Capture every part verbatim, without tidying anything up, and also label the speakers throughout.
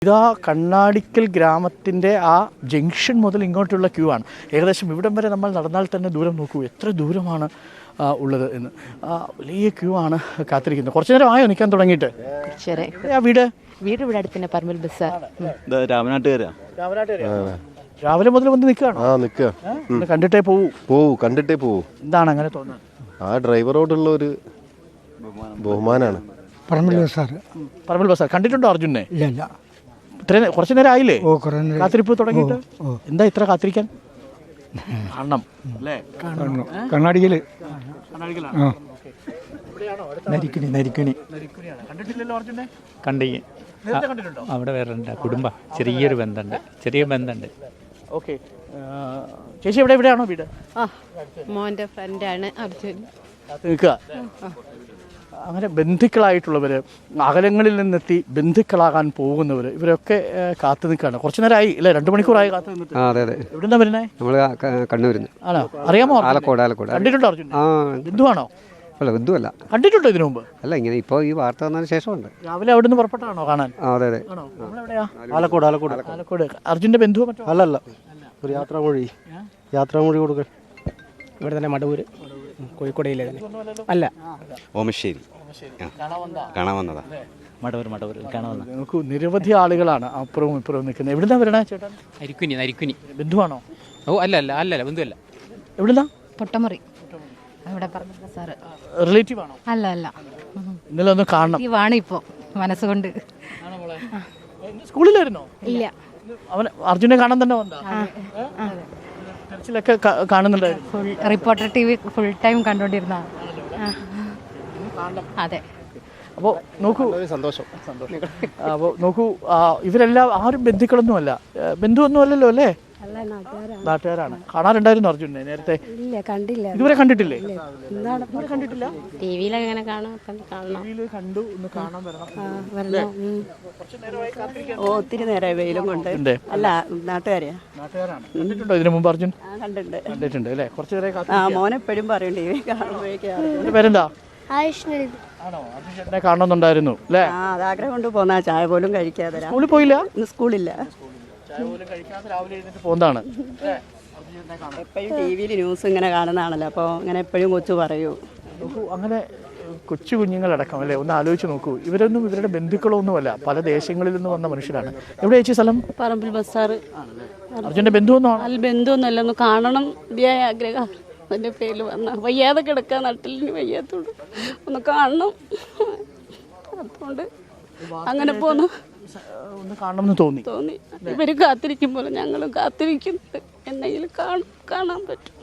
Speaker 1: ഇതാ കണ്ണാടിക്കൽ ഗ്രാമത്തിൻ്റെ ആ ജംഗ്ഷൻ മുതൽ ഇങ്ങോട്ടുള്ള ക്യൂ ആണ്. ഏകദേശം ഇവിടം വരെ നമ്മൾ നടന്നാൽ തന്നെ ദൂരം നോക്കൂ, എത്ര ദൂരമാണ് ഉള്ളത് എന്ന്. വലിയ ക്യൂ ആണ് കാത്തിരിക്കുന്നത്. കുറച്ചു നേരം ആയോ നിൽക്കാൻ തുടങ്ങിയിട്ട്? ആ വീട്
Speaker 2: വീട് ഇവിടെ അടുത്ത് തന്നെ, പറമ്പിൽ ബസാർ.
Speaker 1: രാവിലെ മുതൽ വന്ന് നിൽക്കുകയാണ്. കണ്ടിട്ടേ പോവൂ
Speaker 3: പോവൂ കണ്ടിട്ടേ പോവൂ.
Speaker 1: എന്താണ് അങ്ങനെ തോന്നുന്നത്?
Speaker 3: ആ ഡ്രൈവറോടുള്ള ഒരു ബഹുമാനാണ്.
Speaker 1: പറമ്പിൽ ബസാർ പറമ്പിൽ ബസാർ കണ്ടിട്ടുണ്ടോ അർജുനെ?
Speaker 4: ഇല്ല ഇല്ല.
Speaker 1: ഇത്രയും കുറച്ചു നേരം ആയില്ലേ കാത്തിരിപ്പ് തുടങ്ങിയിട്ട്? എന്താ ഇത്ര കാത്തിരിക്കാൻ? കാണണം അല്ലേ?
Speaker 4: കണ്ണാടിക്കല്
Speaker 5: നരിക്കുനി നരിക്കുനി
Speaker 1: കണ്ടിട്ടില്ലല്ലോ അർജുനെ?
Speaker 5: കണ്ടി
Speaker 1: കണ്ടിട്ടുണ്ടോ?
Speaker 5: അവിടെ വേറെ ഉണ്ട് കുടുംബം, ചെറിയൊരു ബന്ധമുണ്ട്, ചെറിയ ബന്ധമുണ്ട്.
Speaker 1: ഓക്കെ ചേച്ചി എവിടെ എവിടെയാണോ വീട്?
Speaker 2: ആ മോൻ്റെ ഫ്രണ്ടാണ് അർജുൻ.
Speaker 1: നിൽക്കുക. അങ്ങനെ ബന്ധുക്കളായിട്ടുള്ളവർ, അകലങ്ങളിൽ നിന്നെത്തി ബന്ധുക്കളാകാൻ പോകുന്നവർ, ഇവരൊക്കെ കാത്തു നിൽക്കുകയാണ്. കുറച്ചു നേരമായി അല്ലേ? രണ്ട് മണിക്കൂറായി കാത്തു നിന്നിട്ട്.
Speaker 6: അതെ അതെ.
Speaker 1: എവിടുന്നാ വരുന്നേ?
Speaker 6: നമ്മൾ കണ്ണൂരിൽ നിന്ന്.
Speaker 1: ആണോ? അറിയാമോ?
Speaker 6: ആലക്കോട്. ആലക്കോട്
Speaker 1: കണ്ടിട്ടുണ്ടോ അർജുൻ?
Speaker 6: ആ
Speaker 1: ബന്ധുവാണോ?
Speaker 6: അല്ല ബന്ധുവല്ല.
Speaker 1: കണ്ടിട്ടുണ്ടോ ഇതിനു മുമ്പ്?
Speaker 6: അല്ല, ഇങ്ങനെ ഇപ്പോൾ ഈ വാർത്ത വന്നതിന് ശേഷമുണ്ട്.
Speaker 1: രാവിലെ അവിടെ നിന്ന് പുറപ്പെട്ടാണോ കാണാൻ?
Speaker 6: അതെ അതെ.
Speaker 1: ആണോ? നമ്മളെവിടെയാ?
Speaker 4: ആലക്കോട്. ആലക്കോട്
Speaker 1: ആലക്കോട്. അർജുൻ്റെ ബന്ധുവോ മറ്റോ?
Speaker 4: അല്ലല്ല, ഒരു യാത്രാമൊഴി യാത്രാമൊഴി കൊടുക്കാൻ.
Speaker 7: ഇവിടെ തന്നെ മടവൂര്, കോഴിക്കോടയിലെ തന്നെ. അല്ല,
Speaker 8: ഓമശ്ശേരി കാണാൻ വന്നതാ.
Speaker 5: മടവൂർ മടവൂർ കാണാൻ വന്ന.
Speaker 1: നമുക്ക് നിരവധി ആളുകളാണ് അപ്പുറവും ഇപ്പുറവും നിൽക്കുന്നത്. എവിടുന്നാ വരണേ ചേട്ടൻ?
Speaker 5: നരിക്കുനി നരിക്കുനി.
Speaker 1: ബന്ധുവാണോ?
Speaker 5: ഓ അല്ല അല്ല അല്ലല്ല ബന്ധുവല്ല.
Speaker 1: എവിടുന്നാ?
Speaker 2: പൊട്ടമുറി. ഇവിടെ പറമ്പിൽ ബസാർ.
Speaker 1: റിലേറ്റീവ് ആണോ?
Speaker 2: അല്ല അല്ല,
Speaker 1: ഇന്നലെ ഒന്ന് കാണണം.
Speaker 2: ആണ് ഇപ്പോ മനസ്സുകൊണ്ട്.
Speaker 1: സ്കൂളിലായിരുന്നോ?
Speaker 2: ഇല്ല,
Speaker 1: അവൻ അർജുനെ കാണാൻ തന്നെ വന്നോ? തെരച്ചിലൊക്കെ കാണുന്നുണ്ടായിരുന്നു.
Speaker 2: Full reporter T V full time കണ്ടോണ്ടിരുന്ന. അതെ. അപ്പോൾ നോക്കൂ,
Speaker 3: സന്തോഷം
Speaker 1: സന്തോഷം. അപ്പോൾ നോക്കൂ, ഇവരെല്ലാം ആരും ബന്ധുക്കളൊന്നുമല്ല, ബന്ധുവൊന്നും അല്ലല്ലോ അല്ലേ? നാട്ടുകാരാണ്. കാണാറുണ്ടായിരുന്നു അർജുനെ നേരത്തെ?
Speaker 9: ഇല്ല, കണ്ടില്ല.
Speaker 1: ഇതുവരെ കണ്ടിട്ടില്ലേ?
Speaker 9: കണ്ടിട്ടില്ല.
Speaker 2: ടിവിയിലൊക്കെ ഇങ്ങനെ കാണാം.
Speaker 1: കണ്ടു, ഒന്ന് കാണാൻ
Speaker 9: വരണം. ഓ, ഒത്തിരി നേരമായി വെയിലും കൊണ്ട്. അല്ല, നാട്ടുകാരെയാ.
Speaker 1: നാട്ടുകാരാണ്. കണ്ടിട്ടുണ്ടോ ഇതിനു മുമ്പ് അർജുൻ?
Speaker 9: കണ്ടിട്ടുണ്ട്.
Speaker 1: കണ്ടിട്ടുണ്ട് അല്ലേ? കുറച്ചു നേരം.
Speaker 9: ആ, മോനെപ്പോഴും പറയും ടി വി കാണുമ്പോഴേക്കും.
Speaker 1: പേരെന്താ? ആണോ? അർജുൻ ചേട്ടനെ കാണണമെന്നുണ്ടായിരുന്നു അല്ലേ?
Speaker 9: ആ, അത് ആഗ്രഹം കൊണ്ട് പോന്നാ. ചായ പോലും കഴിക്കാതെ.
Speaker 1: സ്കൂളിൽ പോയില്ല?
Speaker 9: ഇന്ന് സ്കൂളില്ല.
Speaker 1: ചായ പോലും കഴിക്കാതെ രാവിലെ എഴുന്നേറ്റ് പോകുന്നതാണ്.
Speaker 9: എപ്പോഴും ടി വിയിൽ ന്യൂസ് ഇങ്ങനെ കാണുന്നതാണല്ലോ, അപ്പോൾ ഇങ്ങനെ എപ്പോഴും കൊച്ചു പറയൂ.
Speaker 1: നോക്കൂ, അങ്ങനെ കൊച്ചു കുഞ്ഞുങ്ങളടക്കം അല്ലേ? ഒന്ന് ആലോചിച്ച് നോക്കൂ. ഇവരൊന്നും ഇവരുടെ ബന്ധുക്കളോ ഒന്നുമല്ല, പല ദേശങ്ങളിൽ നിന്ന് വന്ന മനുഷ്യരാണ്. എവിടെ ചേച്ചി സ്ഥലം?
Speaker 10: പറമ്പിൽ ബസാർ.
Speaker 1: അർജുൻ്റെ ബന്ധുവൊന്നും
Speaker 10: അല്ല, ബന്ധുവൊന്നുമല്ല. ഒന്ന് കാണണം ഇതിയായ ആഗ്രഹം. അതിൻ്റെ പേരിൽ വന്ന വയ്യാതെ കിടക്കുക, നട്ടിലിന് വയ്യാത്തോണ്ട് ഒന്ന് കാണണം. അതുകൊണ്ട് അങ്ങനെ പോന്നു.
Speaker 1: ഒന്ന് കാണണമെന്ന് തോന്നി
Speaker 10: തോന്നി ഇവര് കാത്തിരിക്കും പോലെ ഞങ്ങളും കാത്തിരിക്കുന്നുണ്ട്. എന്നെങ്കിലും കാണും, കാണാൻ പറ്റും.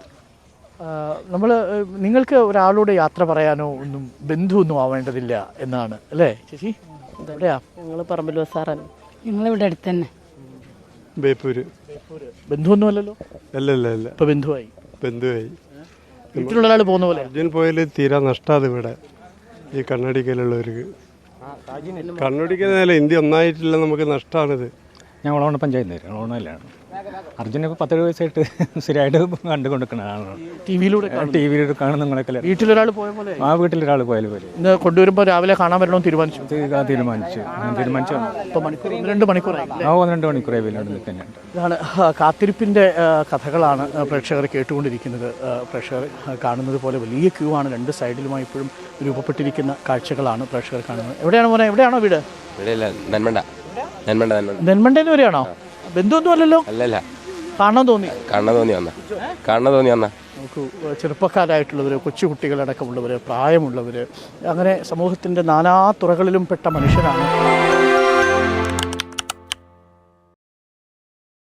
Speaker 1: നമ്മൾ നിങ്ങൾക്ക് ഒരാളോട് യാത്ര പറയാനോ ഒന്നും ബന്ധുവൊന്നും ആവേണ്ടതില്ല എന്നാണ് അല്ലേ ചേച്ചി? എവിടെയാ?
Speaker 2: ഞങ്ങൾ പറമ്പിൽ ബസാറാണ്.
Speaker 10: ഞങ്ങളിവിടെ അടുത്ത് തന്നെ.
Speaker 3: ബേപ്പൂര്.
Speaker 1: ബന്ധുവൊന്നും അല്ലല്ലോ?
Speaker 3: അല്ലല്ല അല്ല,
Speaker 1: ഇപ്പൊ ബന്ധുവായി.
Speaker 3: ബന്ധുവായി.
Speaker 1: വീട്ടിലുള്ള ആൾ പോകുന്ന പോലെ.
Speaker 3: അർജുൻ പോയാൽ തീരാ നഷ്ടമാണ് ഇവിടെ ഈ കണ്ണടിക്കലുള്ളവർക്ക്. കണ്ണടിക്കുന്നതല്ല, ഇന്ത്യ ഒന്നായിട്ടില്ല, നമുക്ക് നഷ്ടമാണിത്.
Speaker 5: ഞാൻ വളവണ്ണ പഞ്ചായത്ത് വളവണ്ണയിലാണ്. അർജുന ഇപ്പോൾ പത്തേഴ് വയസ്സായിട്ട് സ്ഥിരമായിട്ട് കണ്ടുകൊണ്ടിരിക്കുന്നതാണ്.
Speaker 1: ടി വിയിലൂടെ
Speaker 5: ടി വിയിലൂടെ കാണുന്ന നിങ്ങളൊക്കെ.
Speaker 1: വീട്ടിലൊരാൾ പോയ പോലെ.
Speaker 5: ആ വീട്ടിലൊരാൾ പോയാൽ പോലെ.
Speaker 1: ഇന്ന് കൊണ്ടുവരുമ്പോൾ രാവിലെ കാണാൻ വരണമെന്ന് തീരുമാനിച്ചു.
Speaker 5: തീരുമാനിച്ചു തീരുമാനിച്ചു
Speaker 1: ഇപ്പോൾ മണിക്കൂർ രണ്ട് മണിക്കൂറായി.
Speaker 5: ആ ഒന്ന് രണ്ട് മണിക്കൂറായി വീട്ടിലോട്ട് നിൽക്കുന്നുണ്ട്.
Speaker 1: ഇതാണ് കാത്തിരിപ്പിൻ്റെ കഥകളാണ് പ്രേക്ഷകർ കേട്ടുകൊണ്ടിരിക്കുന്നത്. പ്രേക്ഷകർ കാണുന്നത് പോലെ വലിയ ക്യൂ ആണ്. രണ്ട് സൈഡിലുമായി ഇപ്പോഴും രൂപപ്പെട്ടിരിക്കുന്ന കാഴ്ചകളാണ് പ്രേക്ഷകർ കാണുന്നത്. എവിടെയാണ് മോനെ? എവിടെയാണോ വീട്?
Speaker 8: നെന്മണ്ട. നെന്മണ്ട
Speaker 1: നെന്മണ്ടേന്ന് വരെയാണോ? ബന്ധുവൊന്നും അല്ലല്ലോ?
Speaker 8: അല്ലല്ല,
Speaker 1: കാണാൻ തോന്നി.
Speaker 8: കാണാൻ തോന്നി വന്ന കാണാൻ തോന്നി വന്ന
Speaker 1: നമുക്ക് ചെറുപ്പക്കാരായിട്ടുള്ളവർ, കൊച്ചുകുട്ടികളടക്കമുള്ളവർ, പ്രായമുള്ളവർ, അങ്ങനെ സമൂഹത്തിൻ്റെ നാനാ തുറകളിലും പെട്ട മനുഷ്യരാണ്